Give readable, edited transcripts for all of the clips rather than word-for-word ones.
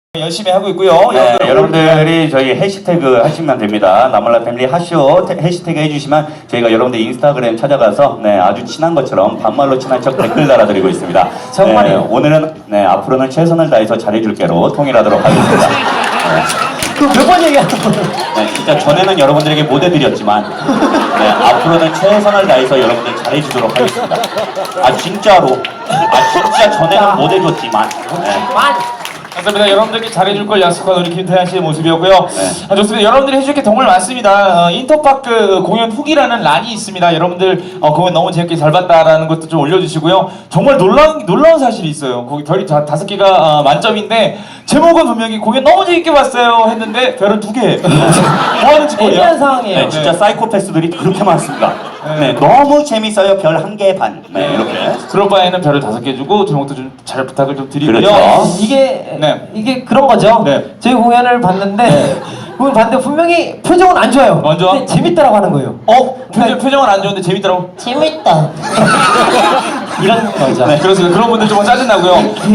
열심히 하고 있고요. 네, 여러분들이 저희 해시태그 하시면 됩니다. 나몰라 패밀리 하쇼 해시태그 해주시면 저희가 여러분들 인스타그램 찾아가서 아주 친한 것처럼 반말로 친한 척 댓글 달아드리고 있습니다. 정말이에요. 오늘은 앞으로는 최선을 다해서 잘해줄게로 통일하도록 하겠습니다. 몇 번 얘기하는 거예요? 진짜 전에는 여러분들에게 못 해드렸지만 앞으로는 최선을 다해서 여러분들 잘해주도록 하겠습니다. 진짜 전에는 못 해줬지만 감사합니다. 여러분들께 잘해줄 걸 약속한 우리 김태한 씨의 모습이었고요. 좋습니다. 여러분들이 해줄 게 정말 많습니다. 인터파크 공연 후기라는 란이 있습니다. 여러분들 공연 너무 재밌게 잘 봤다라는 것도 좀 올려주시고요. 정말 놀라운 사실이 있어요. 거기 별이 5개가 만점인데 제목은 분명히 공연 너무 재밌게 봤어요 했는데 별은 2개. 뭐 하는 짓거리야? 애매한 상황이에요. 진짜 사이코패스들이 그렇게 많습니다. 너무 재밌어요. 별 1개 반. 이렇게. 그럴 바에는 별을 5개 주고 제목도 좀 잘 부탁을 좀 드리고요. 그렇죠. 이게 그런 거죠. 저희 공연을 봤는데 분명히 표정은 안 좋아요. 안 좋아? 근데 재밌다라고 하는 거예요. 표정은 안 좋은데 재밌더라고. 재밌다. 이런 거죠. 그렇습니다. 그런 분들 조금 짜증나고요.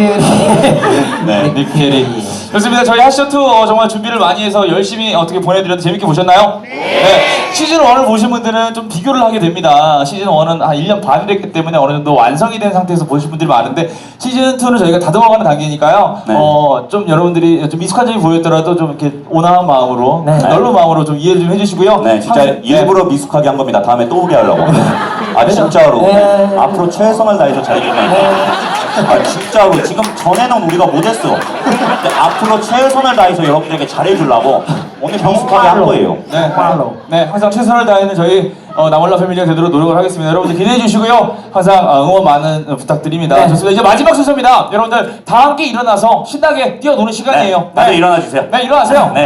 닉페리. 좋습니다. 저희 하쇼2 정말 준비를 많이 해서 열심히 어떻게 보내드렸는데 재밌게 보셨나요? 네. 시즌 1을 보신 분들은 좀 비교를 하게 됩니다. 시즌 1은 한 1년 반을 했기 때문에 어느 정도 완성이 된 상태에서 보신 분들이 많은데 시즌 2는 저희가 다듬어가는 단계니까요. 좀 여러분들이 좀 미숙한 점이 보였더라도 좀 이렇게 온화한 마음으로 넓은 마음으로 좀 이해 좀 해주시고요. 진짜 일부러 미숙하게 한 겁니다. 다음에 또 오게 하려고. 진짜로. 앞으로 최선을 다해서 잘해주면 진짜로 지금 전에는 우리가 못했어. 근데 앞으로 최선을 다해서 여러분들에게 잘해주려고 오늘 미숙하게 한 거예요. 항상 최선을 다하는 저희 나몰라 패밀리가 되도록 노력을 하겠습니다. 여러분들 기대해 주시고요. 항상 응원 많은 부탁드립니다. 좋습니다. 이제 마지막 순서입니다. 여러분들 다 함께 일어나서 신나게 뛰어노는 시간이에요. 다들 일어나 주세요. 일어나세요.